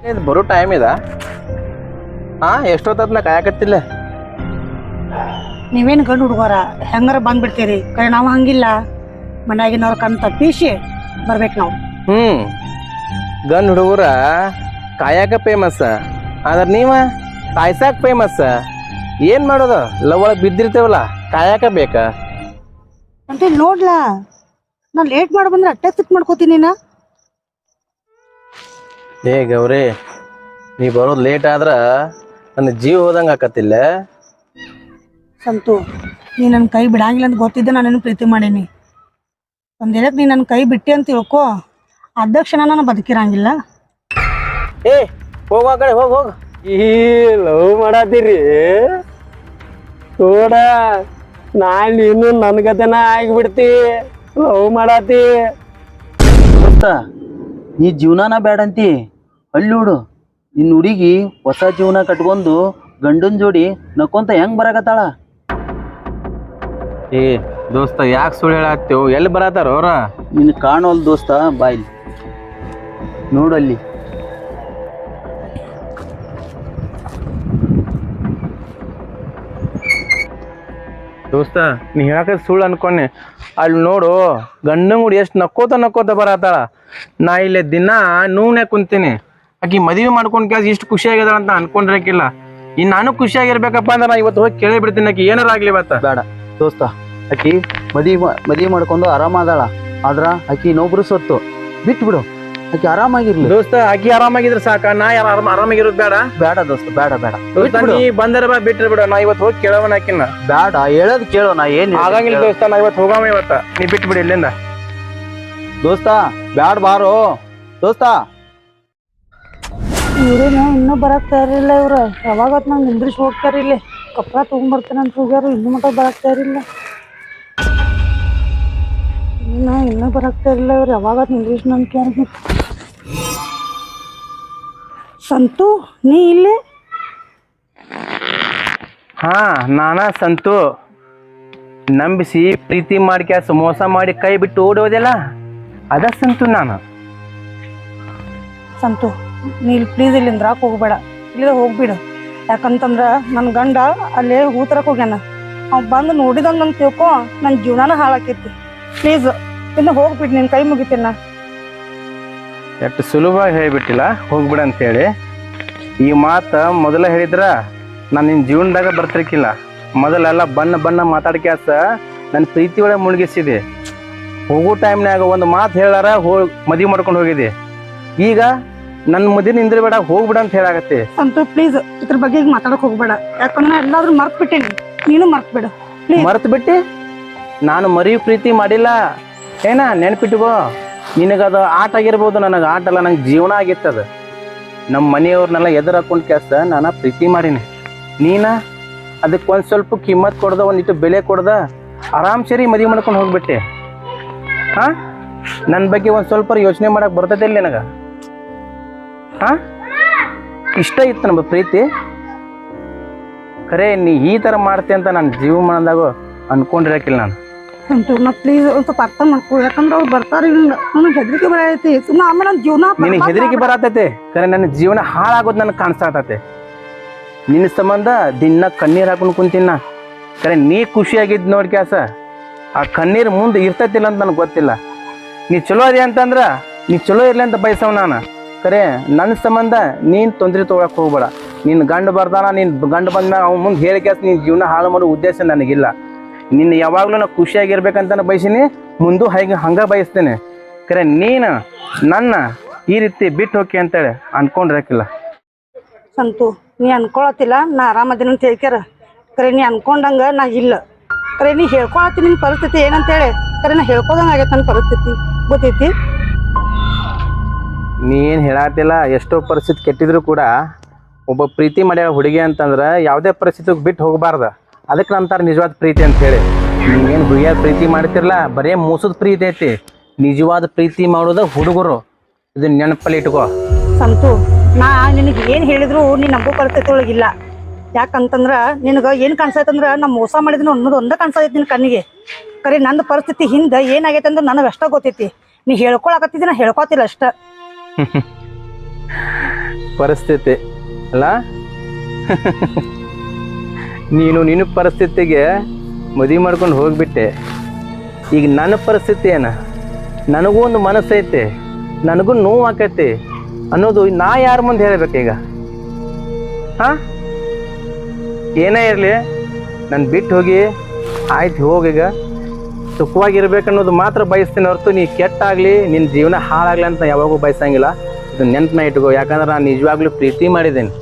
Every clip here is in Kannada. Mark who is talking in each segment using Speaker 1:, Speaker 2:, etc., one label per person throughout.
Speaker 1: ಇದು ಬರೋ ಟೈಮ್ ಇದ ಎಷ್ಟೊತ್ತದ ನಾ ಕಾಯಕತ್ತಿಲ್ಲ.
Speaker 2: ನೀವೇನು ಗಂಡು ಹುಡುಗರ ಹೆಂಗಾರ ಬಂದ್ಬಿಡ್ತೀರಿ, ಕರೆ ನಾವು ಹಂಗಿಲ್ಲ. ಮನ್ಯಾಗಿನವ್ರ ಕಣ್ ತಪ್ಪಿಸಿ ಬರ್ಬೇಕು ನಾವು.
Speaker 1: ಗಂಡು ಹುಡುಗರ ಕಾಯಕ ಫೇಮಸ್, ಆದ್ರೆ ನೀವ ಕಾಯ್ಸಾಕ ಫೇಮಸ್. ಏನ್ ಮಾಡೋದು, ಲವ್ ಒಳಗೆ ಬಿದ್ದಿರ್ತೇವಲ್ಲ, ಕಾಯಕ ಬೇಕ
Speaker 2: ಅಂತ ನೋಡ್ಲಾ. ನಾನು ಲೇಟ್ ಮಾಡಿ ಬಂದ್ರೆ ಅಟ್ಟೆ ಸಿಟ್ ಮಾಡ್ಕೋತೀನಿ ನಾ.
Speaker 1: ಏ ಗೌರಿ, ನೀ ಬರೋದು ಲೇಟ್ ಆದ್ರ ನನ್ನ ಜೀವ ಹೋದಂಗೆ ಆಕತ್ತಿಲ್ಲ.
Speaker 2: ಸಂತು, ನೀ ನನ್ನ ಕೈ ಬಿಡಂಗಿಲ್ಲ ಅಂತ ಗೊತ್ತಿದ್ದೆ ನಾನು ಪ್ರೀತಿ ಮಾಡೀನಿ. ಒಂದೇಳಕ್ಕೆ ನೀ ನನ್ನ ಕೈ ಬಿಟ್ಟಿ ಅಂತ ತಿಳ್ಕೊ, ಅಧ್ಯಕ್ಷಣ ನಾನು ಬದುಕಿರಂಗಿಲ್ಲ.
Speaker 1: ಏ ಹೋಗ ಆ ಕಡೆ, ಹೋಗ.
Speaker 3: ಈ ಲವ್ ಮಾಡತ್ತೀರಿ ನೋಡ, ನಾಳೆ ನೀನು ನನ್ನ ಗತೆನ ಆಗಿಬಿಡ್ತಿ. ಲವ್ ಮಾಡತ್ತಿ
Speaker 4: ದೋಸ್ತ, ನೀ ಜೀವನಾನ ಬೇಡಂತಿ ಅಲ್ಲಿ ನೋಡು. ನಿನ್ನ ಹುಡುಗಿ ಹೊಸ ಜೀವನ ಕಟ್ಕೊಂಡು ಗಂಡನ ಜೋಡಿ ನಕ್ಕೊಂತ ಹೆಂಗ್ ಬರಾಕತ್ತಾಳ.
Speaker 1: ಏ ದೋಸ್ತ, ಯಾಕೆ ಸುಳ್ಳು ಹೇಳತ್ತೇವು? ಎಲ್ಲಿ ಬರತ್ತಾರ ಅವ್ರ?
Speaker 4: ನಿನ್ ಕಾಣೋಲ್ ದೋಸ್ತ, ಬಾಯ್ಲಿ ನೋಡಲ್ಲಿ.
Speaker 1: ದೋಸ್ತ, ನೀ ಹೇಳಕ ಸುಳ್ಳು ಅನ್ಕೊಂಡೆ. ಅಲ್ಲಿ ನೋಡು, ಗಂಡನ ಗುಡಿ ಎಷ್ಟು ನಕ್ಕೋತ ಬರತ್ತಾಳ. ನಾ ಇಲ್ಲೇ ದಿನ ನೂನೆ ಕುಂತೀನಿ. ಆಕಿ ಮದುವೆ ಮಾಡ್ಕೊಂಡು ಕ್ಯಾಸ್ ಇಷ್ಟು ಖುಷಿ ಆಗ್ಯದ ಅಂತ ಅನ್ಕೊಂಡಿರಕಿಲ್ಲ. ಇನ್ನು ನಾನು ಖುಷಿಯಾಗಿರ್ಬೇಕಪ್ಪ ಅಂದ್ರೆ ನಾ ಇವತ್ತು ಹೋಗಿ ಕೇಳಿ ಬಿಡ್ತೀನಿ, ಆಕಿ ಏನಾರ ಆಗ್ಲಿ ಇವತ್ತ.
Speaker 4: ಬೇಡ ದೋಸ್ತ, ಆಕಿ ಮದುವೆ ಮಾಡ್ಕೊಂಡು ಆರಾಮಾದಾಳ. ಆದ್ರ ಆಕಿ ಇನ್ನೊಬ್ರು ಸೊತ್ತು ಬಿಟ್ಟು ಬಿಡು, ಆಕಿ ಆರಾಮಾಗಿರ್ಲಿ.
Speaker 1: ದೋಸ್ತ, ಆಕಿ ಆರಾಮಾಗಿದ್ರೆ ಸಾಕ, ನಾ ಯಾರು ಆರಾಮಾಗಿರೋದು ಬೇಡ.
Speaker 4: ಬೇಡ ದೋಸ್ತ, ಬೇಡ ಬೇಡ.
Speaker 1: ದೋಸ್ತ, ನೀ ಬಂದರ ಬಾ, ಬಿಟ್ರೆ ಬಿಡು. ನಾ ಇವತ್ತು ಹೋಗಿ ಕೇಳವನ ಆಕಿನ.
Speaker 4: ಬೇಡ, ಹೇಳೋದ್ ಕೇಳೋ. ನಾ ಏನ್
Speaker 1: ಆಗಂಗಿಲ್ಲ ದೋಸ್ತ, ನಾ ಇವತ್ತು ಹೋಗಾಮ. ಇವತ್ತ ನೀ ಬಿಟ್ಟು ಬಿಡಿ ಇಲ್ಲಿಂದ.
Speaker 4: ದೋಸ್ತ ಬ್ಯಾಡ, ಬಾರೋ ದೋಸ್ತ.
Speaker 2: ಇವ್ರೇನ ಇನ್ನೂ ಬರಕ್ ತಯಾರಿಲ್ಲ. ಇವ್ರು ಯಾವಾಗ ನಂಗೆ ನಿಂದ್ರಿಸಿ ಹೋಗ್ತಾರ. ಇಲ್ಲಿ ಕಪ್ರ ತೊಗೊಂಡ್ಬರ್ತೇನೆ ಅಂತ ಹೋಗ್ಯಾರು, ಇನ್ನೂ ಮಟ್ಟ ಬರಕ್ ತಯಾರಿಲ್ಲ. ಇನ್ನೂ ಬರಕ್ ತಯಾರಿಲ್ಲ. ಇವ್ರು ಯಾವಾಗ ನಿಂದ್ರಿಸಿ ನನ್ ಕ್ಯಾರಿಗೆ. ಸಂತು, ನೀ ಇಲ್ಲೇ?
Speaker 1: ಹಾ, ನಾನ ಸಂತು. ನಂಬಿಸಿ ಪ್ರೀತಿ ಮಾಡಿ ಕ್ಯಾಸ್ ಮೋಸ ಮಾಡಿ ಕೈ ಬಿಟ್ಟು ಓಡೋದೆಲ್ಲ ಅದ ಸಂತು ನಾನು.
Speaker 2: ಸಂತು, ನೀ ಇಲ್ಲಿ ಪ್ಲೀಸ್ ಇಲ್ಲಿಂದ ಹೋಗ್ಬೇಡ, ಇಲ್ಲಿಂದ ಹೋಗ್ಬಿಡು. ಯಾಕಂತಂದ್ರ ನನ್ನ ಗಂಡ ಅಲ್ಲೇ ಹೂತರಕ್ಕೆ ಹೋಗ್ಯಾನ. ಅವ್ ಬಂದು ನೋಡಿದಂಗ ಅಂತ ತಿಳ್ಕೊ, ನನ್ನ ಜೀವನಾನ ಹಾಳಾಕೈತಿ. ಪ್ಲೀಸ್ ಇನ್ನು ಹೋಗ್ಬಿಡು, ನಿನ್ನ ಕೈ ಮುಗಿತೀನಿ ನಾ.
Speaker 1: ಎಷ್ಟು ಸುಲಭವಾಗಿ ಹೇಳಿಬಿಟ್ಟಿಲ್ಲ ಹೋಗ್ಬಿಡ ಅಂತೇಳಿ. ಈ ಮಾತು ಮೊದಲ ಹೇಳಿದ್ರ ನಾನು ನಿನ್ನ ಜೀವನದಾಗ ಬರ್ತಿರ್ಕಿಲ್ಲ. ಮೊದಲೆಲ್ಲ ಬಣ್ಣ ಮಾತಾಡ್ಕ್ಯಾಸ ನನ್ನ ಪ್ರೀತಿ ಒಳಗೆ ಮುಳುಗಿಸಿದೆ. ಹೋಗೋ ಟೈಮ್ನಾಗ ಒಂದು ಮಾತು ಹೇಳಾರ ಮದುವೆ ಮಾಡ್ಕೊಂಡು ಹೋಗಿದ್ದೆ. ಈಗ ನನ್ನ ಮದುವೆ ನಿಂದ್ರಬೇಡ, ಹೋಗ್ಬಿಡ ಅಂತ ಹೇಳಾಗತ್ತೆ.
Speaker 2: ಸಂತು ಪ್ಲೀಸ್ ಇದ್ರ ಬಗ್ಗೆ ಈಗ ಮಾತಾಡಕ್ ಹೋಗ್ಬೇಡ. ಯಾಕಂದ್ರೆ ಎಲ್ಲಾದ್ರೂ ಮರ್ತ್ ಬಿಟ್ಟೇನಿ, ನೀನು ಮರ್ತ್ ಬಿಡು.
Speaker 1: ಮರ್ತು ಬಿಟ್ಟು ನಾನು ಮರಿ ಪ್ರೀತಿ ಮಾಡಿಲ್ಲ ಏನ, ನೆನ್ಪಿಟ್ಕೋ. ನಿನಗದು ಆಟ ಆಗಿರ್ಬೋದು, ನನಗೆ ಆಟ ಅಲ್ಲ, ನಂಗೆ ಜೀವನ ಆಗಿತ್ತದ. ನಮ್ಮ ಮನೆಯವ್ರನ್ನೆಲ್ಲ ಎದುರು ಹಾಕೊಂಡು ಕೆಲಸ ನಾನು ಪ್ರೀತಿ ಮಾಡೀನಿ. ನೀನ ಅದಕ್ಕೆ ಒಂದು ಸ್ವಲ್ಪ ಕಿಮ್ಮತ್ ಕೊಡ್ದ, ಒಂದಿಟ್ಟು ಬೆಲೆ ಕೊಡ್ದ, ಆರಾಮ್ ಸರಿ ಮದುವೆ ಮಾಡ್ಕೊಂಡು ಹೋಗ್ಬಿಟ್ಟೆ. ಹಾಂ, ನನ್ನ ಬಗ್ಗೆ ಒಂದು ಸ್ವಲ್ಪ ಯೋಚನೆ ಮಾಡಕ್ಕೆ ಬರ್ತದೆ ಇಲ್ಲ ನನಗೆ? ಹಾಂ, ಇಷ್ಟ ಇತ್ತು ನಮ್ಮ ಪ್ರೀತಿ. ಖರೆ ನೀ ಈ ಥರ ಮಾಡ್ತೆ ಅಂತ ನನ್ನ ಜೀವಮಾನದಾಗ ಅನ್ಕೊಂಡಿರಕಿಲ್ಲ ನಾನು.
Speaker 2: ಸಂತು, ನಾ ಪ್ಲೀಸ್ ಒಂದು ಸ್ವಲ್ಪ ಅರ್ಥ ಮಾಡ್ಕೊ. ಯಾಕಂದ್ರೆ ಅವ್ರು ಬರ್ತಾರೆ, ನನಗೆ ಹೆದರಿಕೆ ಬರತೈತಿ. ಸುಮ್ಮನೆ ಆಮೇಲೆ ನನ್ನ ಜೀವನ
Speaker 1: ನಿನಗೆ ಹೆದರಿಕೆ ಬರತೈತೆ, ಖರೆ ನನ್ನ ಜೀವನ ಹಾಳಾಗೋದು ನನಗೆ ಕಾಣಿಸ್ತಾತೈತೆ. ನಿನ್ನ ಸಂಬಂಧ ದಿನ ಕಣ್ಣೀರು ಹಾಕೊಂಡು ಕುಂತಿನ. ಖರೆ ನೀ ಖುಷಿಯಾಗಿದ್ದು ನೋಡಿ ಕ್ಯಾಸ, ಆ ಕಣ್ಣೀರು ಮುಂದೆ ಇರ್ತೈತಿಲ್ಲ ಅಂತ ನನಗೆ ಗೊತ್ತಿಲ್ಲ. ನೀ ಚಲೋ ಅದೇ ಅಂತಂದ್ರೆ ನೀ ಚಲೋ ಇರಲಿ ಅಂತ ಬಯಸವ್ ನಾನು. ಖರೆ ನನ್ನ ಸಂಬಂಧ ನೀನು ತೊಂದರೆ ತೊಗೊಳಕ್ಕೆ ಹೋಗ್ಬೇಡ. ನಿನ್ನ ಗಂಡು ಬರ್ದಾನ, ನಿನ್ನ ಗಂಡು ಬಂದ್ಮ್ಯಾಗ ಅವ್ನು ಮುಂದೆ ಹೇಳಿ ಕ್ಯಾಸ ನಿನ್ನ ಜೀವನ ಹಾಳು ಮಾಡೋ ಉದ್ದೇಶ ನನಗಿಲ್ಲ. ನಿನ್ನ ಯಾವಾಗಲೂ ನಾನು ಖುಷಿಯಾಗಿರ್ಬೇಕಂತ ಬಯಸೀನಿ, ಮುಂದೂ ಹಂಗೆ ಬಯಸ್ತೇನೆ. ಖರೆ ನೀನು ನನ್ನ ಈ ರೀತಿ ಬಿಟ್ಟು ಹೋಗಿ ಅಂತೇಳಿ ಅನ್ಕೊಂಡಿರಕ್ಕಿಲ್ಲ.
Speaker 2: ಸಂತು, ನೀ ಅನ್ಕೊಳತಿಲ್ಲ ನಾ ಆರಾಮದಿನ ಅಂತ ಹೇಳ್ಕ್ಯಾರ. ಖರೆ ನೀ ಅನ್ಕೊಂಡಂಗ ನಾ ಇಲ್ಲ. ಖರೆ ನೀ ಹೇಳ್ಕೊಳತ್ತಿ ನಿನ್ನ ಪರಿಸ್ಥಿತಿ ಏನಂತೇಳಿ. ಖರೆ ನಾ ಹೇಳ್ಕೊದಂಗ ಆಗೈತೆ ನನ್ನ ಪರಿಸ್ಥಿತಿ, ಗೊತ್ತೈತಿ?
Speaker 1: ನೀ ಏನು ಹೇಳತ್ತಿಲ್ಲ. ಎಷ್ಟೋ ಪರಿಸ್ಥಿತಿ ಕೆಟ್ಟಿದ್ರು ಕೂಡ ಒಬ್ಬ ಪ್ರೀತಿ ಮಾಡ್ಯಾರ ಹುಡುಗಿ ಅಂತಂದ್ರೆ ಯಾವುದೇ ಪರಿಸ್ಥಿತಿಗೆ ಬಿಟ್ಟು ಹೋಗಬಾರ್ದು. ಅದಕ್ಕೆ ನಂತರ ನಿಜವಾದ ಪ್ರೀತಿ ಅಂತ ಹೇಳಿ. ನೀವೇನು ಹುಡುಗಿಯಾಗ ಪ್ರೀತಿ ಮಾಡ್ತಿರಲ್ಲ, ಬರೇ ಮೋಸದ ಪ್ರೀತಿ ಐತಿ. ನಿಜವಾದ ಪ್ರೀತಿ ಮಾಡೋದು ಹುಡುಗರು, ಇದನ್ನ ನೆನಪಲ್ಲಿ ಇಟ್ಕೋ.
Speaker 2: ಸಂತು, ನಾ ನಿನಗೆ ಏನು ಹೇಳಿದ್ರು ನೀನು ನಂಬೋ ಪರಿಸ್ಥಿತಿ ಒಳಗಿಲ್ಲ. ಯಾಕಂತಂದ್ರೆ ನಿನಗೆ ಏನು ಕಾಣಿಸೈತಂದ್ರೆ ನಾ ಮೋಸ ಮಾಡಿದ್ನು ಅನ್ನೋದು ಒಂದೇ ಕಾಣಿಸೈತಿ ನಿನ್ನ ಕಣ್ಣಿಗೆ. ಖರೆ ನನ್ನ ಪರಿಸ್ಥಿತಿ ಹಿಂದೆ ಏನಾಗೈತೆ ಅಂದ್ರೆ ನನಗೆ ಅಷ್ಟ ಗೊತ್ತೈತಿ. ನೀ ಹೇಳ್ಕೊಳಕತ್ತಿದ್ದಿ, ನಾ ಹೇಳ್ಕೊತಿಲ್ಲ ಅಷ್ಟ.
Speaker 1: ಪರಿಸ್ಥಿತಿ ಅಲ್ಲ ನಿನ್ನ ಪರಿಸ್ಥಿತಿಗೆ ಮದುವೆ ಮಾಡ್ಕೊಂಡು ಹೋಗ್ಬಿಟ್ಟೆ. ಈಗ ನನ್ನ ಪರಿಸ್ಥಿತಿ ಏನ, ನನಗೂ ಒಂದು ಮನಸ್ಸೈತೆ, ನನಗೂ ನೋವು ಆಕೈತಿ ಅನ್ನೋದು ನಾ ಯಾರ ಮುಂದೆ ಹೇಳಬೇಕೀಗ? ಹಾಂ, ಏನೇ ಇರಲಿ ನಾನು ಬಿಟ್ಟು ಹೋಗಿ ಆಯ್ತು ಹೋಗೀಗ ಸುಖವಾಗಿರ್ಬೇಕನ್ನೋದು ಮಾತ್ರ ಬಯಸ್ತೀನಿ ಹೊರತು ನೀ ಕೆಟ್ಟಾಗಲಿ ನಿನ್ನ ಜೀವನ ಹಾಳಾಗಲಿ ಅಂತ ಯಾವಾಗೂ ಬಯಸಂಗಿಲ್ಲ. ಇದು ನೆನ್ಪನ್ನ ಇಟ್ಕೋ. ಯಾಕಂದ್ರೆ ನಾನು ನಿಜವಾಗ್ಲೂ ಪ್ರೀತಿ ಮಾಡಿದ್ದೀನಿ,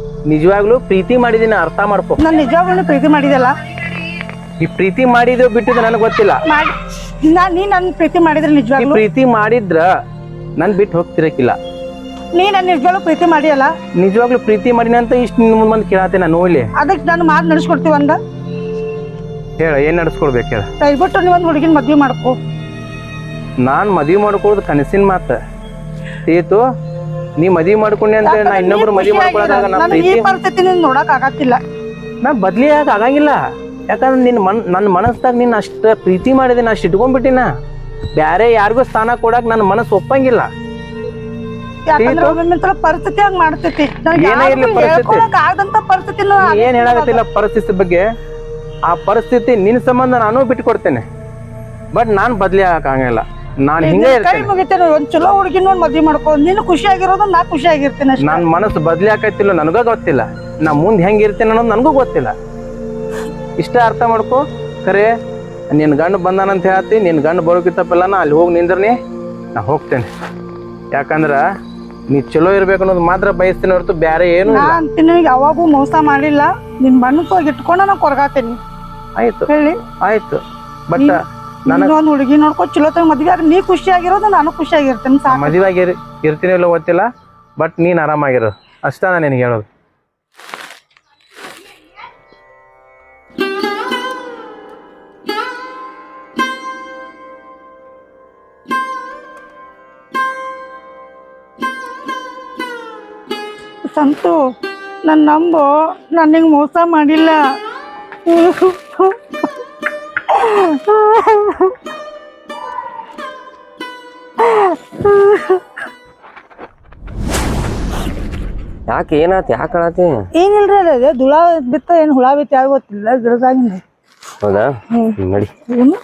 Speaker 1: ಅರ್ಥ ಮಾಡ್ಕೊ.
Speaker 2: ನಾನು ನಿಜವಾಗ್ಲೂ ಪ್ರೀತಿ ಮಾಡಿದೆಲ್ಲ.
Speaker 1: ಈ ಪ್ರೀತಿ ಮಾಡಿದ್ಯೋ ಬಿಟ್ಟಿದ್ದು ನನಗೆ ಗೊತ್ತಿಲ್ಲ.
Speaker 2: ನೀ ನನ್ನ ಪ್ರೀತಿ ಮಾಡಿದ್ರೆ
Speaker 1: ಈ
Speaker 2: ನಿಜವಾಗ್ಲೂ
Speaker 1: ಪ್ರೀತಿ ಮಾಡಿದ್ರ ನನ್ ಬಿಟ್ಟು ಹೋಗ್ತಿರಕ್ಕಿಲ್ಲ.
Speaker 2: ನೀ ನನ್ನ ನಿಜವಾಗ್ಲೂ ಪ್ರೀತಿ ಮಾಡಿಯಲ್ಲ.
Speaker 1: ನಿಜವಾಗ್ಲೂ ಪ್ರೀತಿ ಮಾಡಿನ ಅಂತ ಇಷ್ಟು ನಿನ್ ಮುಂದೆ ಕೇಳತ್ತೆ ನಾನು ನೋಡ್ಲಿ.
Speaker 2: ಅದಕ್ಕೆ ನಾನು ಮಾತು ನಡೆಸ್ಕೊಡ್ತೀವಿ ಅಂದ.
Speaker 1: ಹೇಳ, ಏನ್ ನಡೆಸ್ಕೊಡ್ಬೇಕು ಹೇಳ.
Speaker 2: ದಯವಿಟ್ಟು ನೀವೊಂದು ಹುಡುಗಿನ ಮದ್ವೆ ಮಾಡ್ಕೊ.
Speaker 1: ನಾನ್ ಮದ್ವಿ ಮಾಡ್ಕೊಳ್ಳೋದು ಕನಸಿನ ಮಾತ ತೀತು. ನೀ ಮದ್ವಿ ಮಾಡ್ಕೊಂಡೆ ಅಂತ ನಾ ಇನ್ನೊಬ್ರು ಮದ್ವಿ ಮಾಡ್ಕೊಳ್ಳೋದಾಗ ನಾ
Speaker 2: ನನಗೆ ಈ
Speaker 1: ಪ್ರೀತಿ
Speaker 2: ಪರಿಸ್ಥಿತಿ ನೋಡಕ್ ಆಗತ್ತಿಲ್ಲ.
Speaker 1: ನಾ ಬದ್ಲಿ ಆಗಂಗಿಲ್ಲ. ಯಾಕಂದ್ರೆ ನನ್ನ ಮನಸ್ದಾಗ ನಿನ್ನ ಅಷ್ಟ ಪ್ರೀತಿ ಮಾಡಿದೆ, ನಾ ಅಷ್ಟು ಇಟ್ಕೊಂಡ್ಬಿಟ್ಟಿನ. ಬ್ಯಾರೆ ಯಾರಿಗೂ ಸ್ಥಾನ ಕೊಡಕ್ ನನ್ನ ಮನಸ್ಸು ಒಪ್ಪಂಗಿಲ್ಲ.
Speaker 2: ಯಾಕಂದ್ರೆ ಒಮ್ಮೊಮ್ಮೆ ಪರಿಸ್ಥಿತಿ ಹಂಗ್ ಮಾಡ್ತೈತಿ.
Speaker 1: ಏನೇ ಇರ್ಲಿ ಪರಿಸ್ಥಿತಿ,
Speaker 2: ಆಗದಂತ ಪರಿಸ್ಥಿತಿ
Speaker 1: ಏನ್ ಹೇಳಾಗತ್ತಿಲ್ಲ ಪರಿಸ್ಥಿತಿ ಬಗ್ಗೆ. ಆ ಪರಿಸ್ಥಿತಿ ನಿನ್ನ ಸಂಬಂಧ ನಾನು ಬಿಟ್ಕೊಡ್ತೇನೆ, ಬಟ್ ನಾನ್ ಬದ್ಲಿ ಆಗಂಗಿಲ್ಲ. ನಾನು ಹಿಂಗೆ
Speaker 2: ಕೈ
Speaker 1: ಇರ್ತೇನೆ.
Speaker 2: ಮುಗಿತೇನೆ. ಒಂದ್ ಚಲೋ ಹುಡುಗಿನ ಒಂದ್ ಮದ್ವೆ ಮಾಡ್ಕೊ. ನೀನು ಖುಷಿಯಾಗಿರೋದು ನಾ ಖುಷಿಯಾಗಿರ್ತೇನೆ ಅಷ್ಟೇ.
Speaker 1: ನನ್ನ ಮನಸ್ಸು ಬದ್ಲಿ ಆಕೈತಿಲ್ಲ ನನಗ ಗೊತ್ತಿಲ್ಲ. ನಾ ಮುಂದೆ ಹೆಂಗಿರ್ತೇನೆ ಅನ್ನೋದು ನನಗೂ ಗೊತ್ತಿಲ್ಲ. ಇಷ್ಟ ಅರ್ಥ ಮಾಡ್ಕೊ. ಖರೆ ನಿನ್ ಗಂಡು ಬಂದಾನಂತ ಹೇಳ್ತಿ, ನಿನ್ ಗಂಡು ಬರೋಕಿತ್ತಪ್ಪಲ್ಲ ನಾ ಅಲ್ಲಿ ಹೋಗಿ ನಿಂದ್ರನಿ, ನಾ ಹೋಗ್ತೇನೆ. ಯಾಕಂದ್ರ ನೀ ಚಲೋ ಇರ್ಬೇಕು ಅನ್ನೋದು ಮಾತ್ರ ಬಯಸ್ತೀನಿ ಹೊರತು ಬೇರೆ ಏನು
Speaker 2: ನಾ ಅಂತೀನಿ ಯಾವಾಗೂ ಮೋಸ ಮಾಡಿಲ್ಲ. ನಿನ್ ಮನಸ್ಸು ಇಟ್ಕೊಂಡ ನಾ ಕೊರಗಾತೇನಿ.
Speaker 1: ಆಯ್ತು
Speaker 2: ಹೇಳಿ
Speaker 1: ಆಯ್ತು. ಬಟ್
Speaker 2: ಒಂದ್ ಹುಡುಗಿ ನೋಡ್ಕೊ ಚಲೋ ತಗ ಮದ್ವೆ ಆಗ. ನೀ ಖುಷಿಯಾಗಿರೋದು ನಾನು ಖುಷಿಯಾಗಿರ್ತೇನೆ.
Speaker 1: ಮದುವೆಯಾಗಿ ಇರ್ತೀನಿ ಇಲ್ಲ ಗೊತ್ತಿಲ್ಲ, ಬಟ್ ನೀನ್ ಆರಾಮಾಗಿರೋ ಅಷ್ಟ ನಾ ನಿನಗೆ ಹೇಳೋದು.
Speaker 2: ಸಂತು ನನ್ನ ನಂಬು, ನಾನು ನಿಂಗೆ ಮೋಸ ಮಾಡಿಲ್ಲ.
Speaker 3: ಯಾಕೆ ಏನಾತ? ಯಾಕೆ ಅಳತಿ?
Speaker 2: ಏನಿಲ್ರಿ, ಅದೇ ದುಳ ಬಿತ್ತ ಏನು ಹುಳ ಬಿತ್ತ ಯಾವ ಗೊತ್ತಿಲ್ಲ ಗಿಡದಾಗಿನ.
Speaker 3: ಹೌದಾ? ನಡಿ.
Speaker 2: ಏನು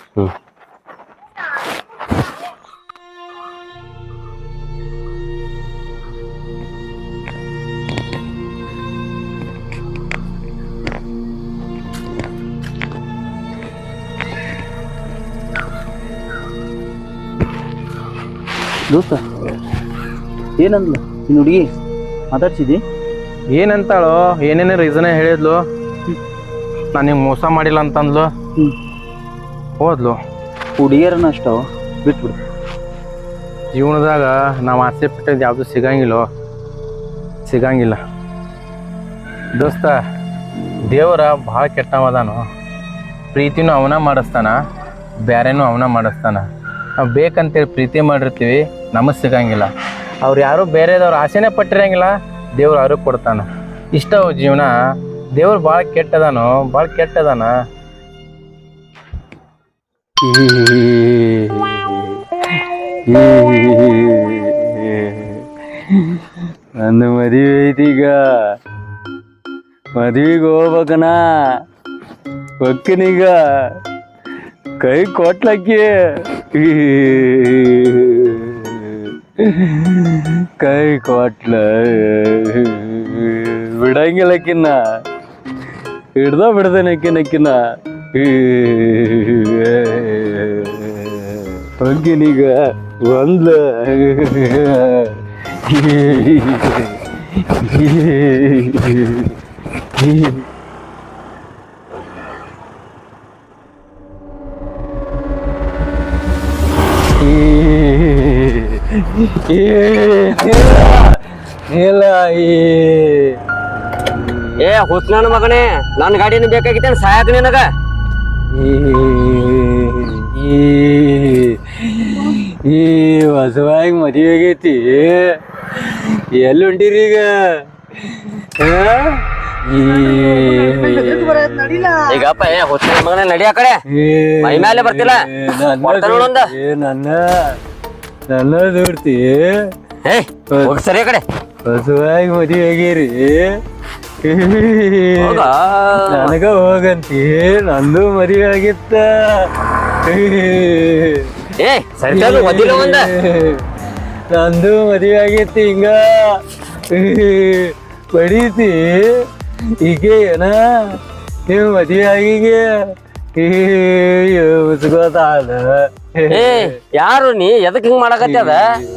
Speaker 4: ದೋಸ್ತ ಏನಂದ್ಲ ನಿನ್ನ ಹುಡುಗಿ? ಮಾತಾಡ್ಸಿದಿ?
Speaker 1: ಏನಂತಾಳೋ, ಏನೇನೇ ರೀಸನೇ ಹೇಳಿದ್ಲು. ನಾನು ನಿಂಗೆ ಮೋಸ ಮಾಡಿಲ್ಲ ಅಂತಂದ್ಲು, ಹೋದ್ಲು.
Speaker 4: ಹುಡುಗಿಯರನ್ನ ಅಷ್ಟವ ಬಿಟ್ಬಿಡು.
Speaker 1: ಜೀವನದಾಗ ನಾವು ಆಸೆ ಪಟ್ಟಿದ್ದು ಯಾವುದು ಸಿಗಂಗಿಲ್ಲ ದೋಸ್ತ. ದೇವರ ಭಾಳ ಕೆಟ್ಟವದಾನು. ಪ್ರೀತಿನೂ ಅವನ ಮಾಡಿಸ್ತಾನ, ಬೇರೆನೂ ಅವನ ಮಾಡಿಸ್ತಾನ. ನಾವು ಬೇಕಂತೇಳಿ ಪ್ರೀತಿ ಮಾಡಿರ್ತೀವಿ, ನಮಗೆ ಸಿಗಂಗಿಲ್ಲ. ಅವ್ರು ಯಾರು ಬೇರೆದವ್ರು ಆಸೆನೇ ಪಟ್ಟಿರಂಗಿಲ್ಲ, ದೇವ್ರು ಅವ್ರಿಗೆ ಕೊಡ್ತಾನ. ಇಷ್ಟ ಜೀವನ. ದೇವ್ರು ಭಾಳ ಕೆಟ್ಟದಾನ.
Speaker 4: ನನ್ನ ಮದುವೆ ಐತೀಗ, ಮದುವೆಗೆ ಹೋಗ್ಬೇಕನ ಒಕ್ಕನೀಗ ಕೈ ಕೊಟ್ಲಕ್ಕಿ. ಕೈ ಕೊಟ್ಲ ಬಿಡಂಗಿಲ್ಲಕ್ಕಿನ್ನ, ಬಿಡ್ದೇನಕ್ಕಿನಕ್ಕಿನ್ನ. ಒಗ್ಗಿನೀಗ ಒಂದ್ಲ
Speaker 3: ಏ ಹುಸ್ನನ ಮಗನೇ, ನನ್ನ ಗಾಡಿನ ಬೇಕಾಗಿತ್ತೇನ ಸಾಯಕ ನಿನಗ?
Speaker 4: ಈ ಹೊಸವಾಗಿ ಮದುವೆ ಆಗೈತಿ, ಎಲ್ಲಿ ಹೊಂಟಿರಿ ಈಗ?
Speaker 3: ಈಗಪ್ಪ ಏ ಹುಸ್ನನ ಮಗನೇ ನಡಿ ಆ ಕಡೆ, ಮೈ ಮೇಲೆ ಬರ್ತಿಲ್ಲ.
Speaker 4: ನನ್ನ ದೂಡ್ತಿ.
Speaker 3: ಏ ಹೋಗಿ ಸರಿ ಆ ಕಡೆ. ಹೊಸವಾಗಿ ಮದುವೆ ಆಗ್ಯಾರಿ ನನಗ ಹೋಗಂತಿ ನಂದು ಮದುವೆ ಆಗಿತ್ತ ನಂದು ಮದುವೆ ಆಗೈತಿ ಹಿಂಗ ಪಡೀತಿ ಈಗ ಏನ ನೀವು ಮದುವೆ ಆಗಿಗೆ ಉಸ್ಕೋತಾದ
Speaker 5: ಯಾರು ನೀ ಎದಕ್ ಹಿಂಗ್ ಮಾಡಕತ್ತದ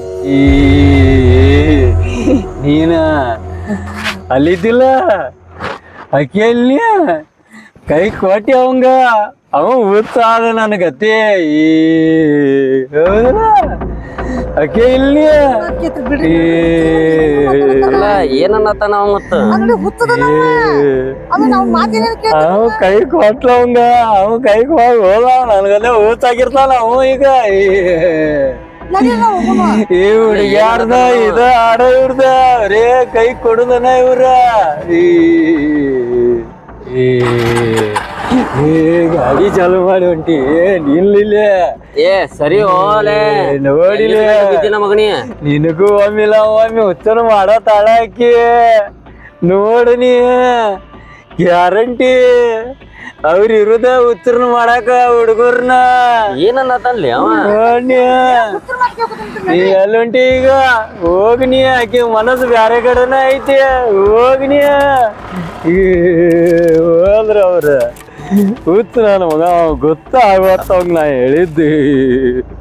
Speaker 3: ನೀನ ಅಲ್ಲಿದ್ದಿಲ್ಲ ಅಕ್ಕಿಯಲ್ಲಿ ಕೈ ಕೊಟ್ಟಿ ಅವಂಗ ಅವ ಉತ್ಸಾದ ನನ್ನ ಗತಿ ಹೌದಲ್ಲ ಅಕ್ಕೆ ಇಲ್ಲಿ
Speaker 5: ಅಲ್ಲ ಏನನ್ನತ್ತಾನ ಅವ ಮತ್ತ
Speaker 3: ಅವ ಕೈ ಕೊಟ್ಲ ಅವಂಗ ಅವ ಕೈ ಕೊಟ್ಟು ಹೋದ ನನ್ಗಲ್ಲೇ ಊತಾಗಿರ್ತಾನ ಅವ ಈಗ ಈ ಹುಡುಗ್ಯಾರ್ದ ಇದ ಆಡ ಇವ್ರದ ಅವರೇ ಕೈ ಕೊಡುದನ ಇವ್ರ ಗಾಡಿ ಚಾಲು ಮಾಡಿ ಹೊಂಟಿ ನಿಲ್ಲಿಲ್ಲ
Speaker 5: ಏ ಸರಿ ಹೋಲೆ
Speaker 3: ನೋಡಿಲ್ಲ
Speaker 5: ಮಗನಿ
Speaker 3: ನಿನಗೂ ಒಮ್ಮಿಲ್ಲ ಒಮ್ಮೆ ಹುಚ್ಚನು ಮಾಡೋ ತಾಳ ಹಾಕಿ ನೋಡು ನೀ ಗ್ಯಾರಂಟಿ ಅವ್ರ ಇರುದ ಹುಚ್ಚರ್ನ ಮಾಡಾಕ ಹುಡುಗರ್ನ
Speaker 5: ಏನನ್ನತಾನ್ಲಿ ಅವ
Speaker 3: ನೋಡ್ನಿ ನೀ ಎಲ್ಲುಂಟಿ ಈಗ ಹೋಗ್ನಿ ಆಕಿ ಮನಸ್ಸು ಬ್ಯಾರೆ ಕಡೆನ ಐತಿ ಹೋಗ್ನಿ ಹೋದ್ರ ಅವ್ರ ಹುಚ್ಚ ನನ್ನ ಮಗ ಗೊತ್ತಾಗತ್ತ ನಾ ಹೇಳಿದ್ದಿ